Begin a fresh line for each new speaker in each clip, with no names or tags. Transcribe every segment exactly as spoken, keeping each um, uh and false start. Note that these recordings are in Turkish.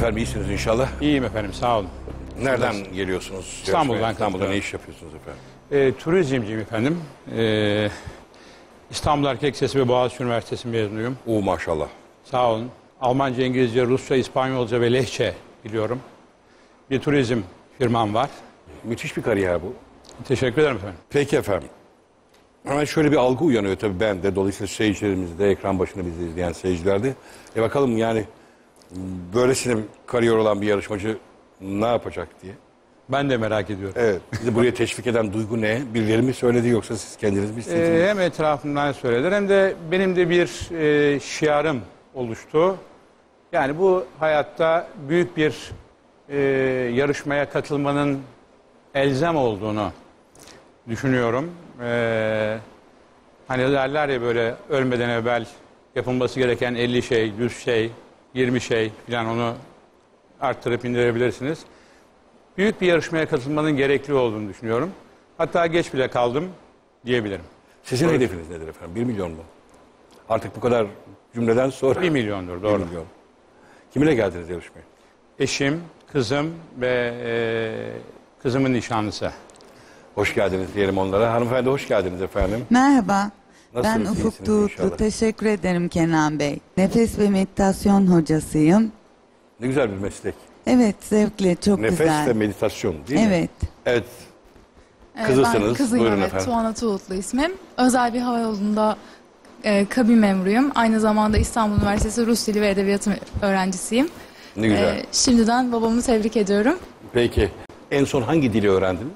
Efendim iyisiniz inşallah.
İyiyim efendim, sağ olun.
Nereden Siz geliyorsunuz?
İstanbul'dan.
İstanbul'da ne iş yapıyorsunuz efendim?
E, turizmciyim efendim. E, İstanbul Erkek Lisesi ve Boğaziçi Üniversitesi mezunuyum.
Oo maşallah.
Sağ olun. Almanca, İngilizce, Rusça, İspanyolca ve Lehçe biliyorum. Bir turizm firmam var.
Müthiş bir kariyer bu.
Teşekkür ederim efendim.
Peki efendim. Hemen şöyle bir algı uyanıyor tabii ben de. Dolayısıyla seyircilerimizde, ekran başında bizi izleyen seyircilerde. E bakalım yani böylesine kariyer olan bir yarışmacı ne yapacak diye.
Ben de merak ediyorum.
Evet. Bizi buraya teşvik eden duygu ne? Birileri mi söyledi yoksa siz kendiniz mi istediniz?
Ee, hem etrafımdan söylediler hem de benim de bir e, şiarım oluştu. Yani bu hayatta büyük bir e, yarışmaya katılmanın elzem olduğunu düşünüyorum. Ee, hani derler ya böyle ölmeden evvel yapılması gereken elli şey, yüz şey, yirmi şey falan onu arttırıp indirebilirsiniz. Büyük bir yarışmaya katılmanın gerekli olduğunu düşünüyorum. Hatta geç bile kaldım diyebilirim.
Sizin
Doğru.
hedefiniz nedir efendim? Bir milyon mu? Artık bu kadar cümleden sonra.
Bir milyondur, doğru.
Bir milyon. Kiminle geldiniz yarışmaya?
Eşim, kızım ve e, kızımın nişanlısı.
Hoş geldiniz diyelim onlara. Hanımefendi hoş geldiniz efendim.
Merhaba.
Nasılsınız,
Ben Ufuk
iyisiniz
Tuğutlu.
inşallah?
Teşekkür ederim Kenan Bey. Nefes ve meditasyon hocasıyım.
Ne güzel bir meslek.
Evet, zevkle, çok
Nefes
güzel.
ve meditasyon değil mi?
Evet.
Evet.
Ee,
Kızısınız.
Ben kızıyım,
Buyurun
evet.
efendim.
Tuana Tuğutlu ismim. Özel bir havayolunda e, kabin memuruyum. Aynı zamanda İstanbul Üniversitesi Rus Dili ve Edebiyatı öğrencisiyim.
Ne güzel.
Ee, şimdiden babamı tebrik ediyorum.
Peki en son hangi dili öğrendiniz?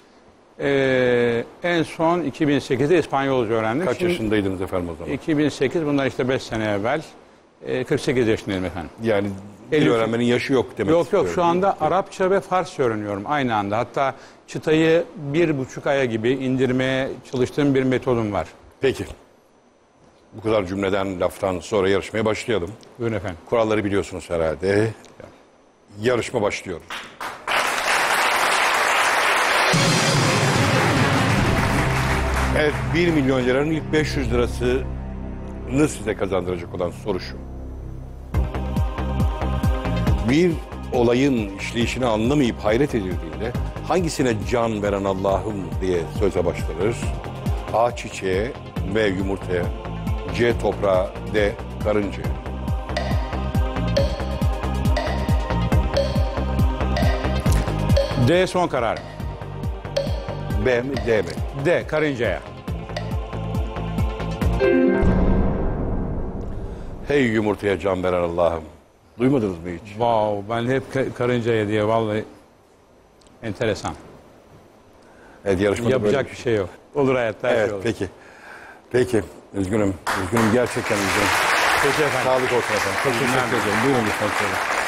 Ee, en son iki bin sekizde İspanyolca öğrendim.
Kaç
Şimdi
yaşındaydınız efendim o zaman?
iki bin sekiz, bundan işte beş sene evvel. E, kırk sekiz yaşındayım efendim.
Yani dil
elli
öğrenmenin yaşı yok demek
Yok yok,
istiyorum.
şu anda Arapça ve Farsça öğreniyorum aynı anda. Hatta çıtayı bir buçuk aya gibi indirmeye çalıştığım bir metodum var.
Peki. Bu kadar cümleden, laftan sonra yarışmaya başlayalım.
Buyurun efendim.
Kuralları biliyorsunuz herhalde. Yarışma başlıyor. Evet, bir milyon liranın ilk beş yüz lirasını size kazandıracak olan soru şu. Bir olayın işleyişini anlamayıp hayret edildiğinde hangisine can veren Allah'ım diye söze başlanır? A. Çiçeğe, B. Yumurtaya, C. Toprağa, D. Karıncaya.
D son karar.
B mi, D mi?
D karıncaya.
Hey yumurtaya can veren Allah'ım. Duymadınız mı hiç?
Wow, ben hep ka- karıncaya diye, vallahi enteresan.
Evet, yarışmada
Yapacak
böyle
bir şey yok. Olur hayatta, her
Evet,
şey olur.
peki. Peki, üzgünüm. Üzgünüm, gerçekten üzgünüm.
Peki efendim.
Sağlık olsun efendim. Çok teşekkür ederim. Buyurun lütfen.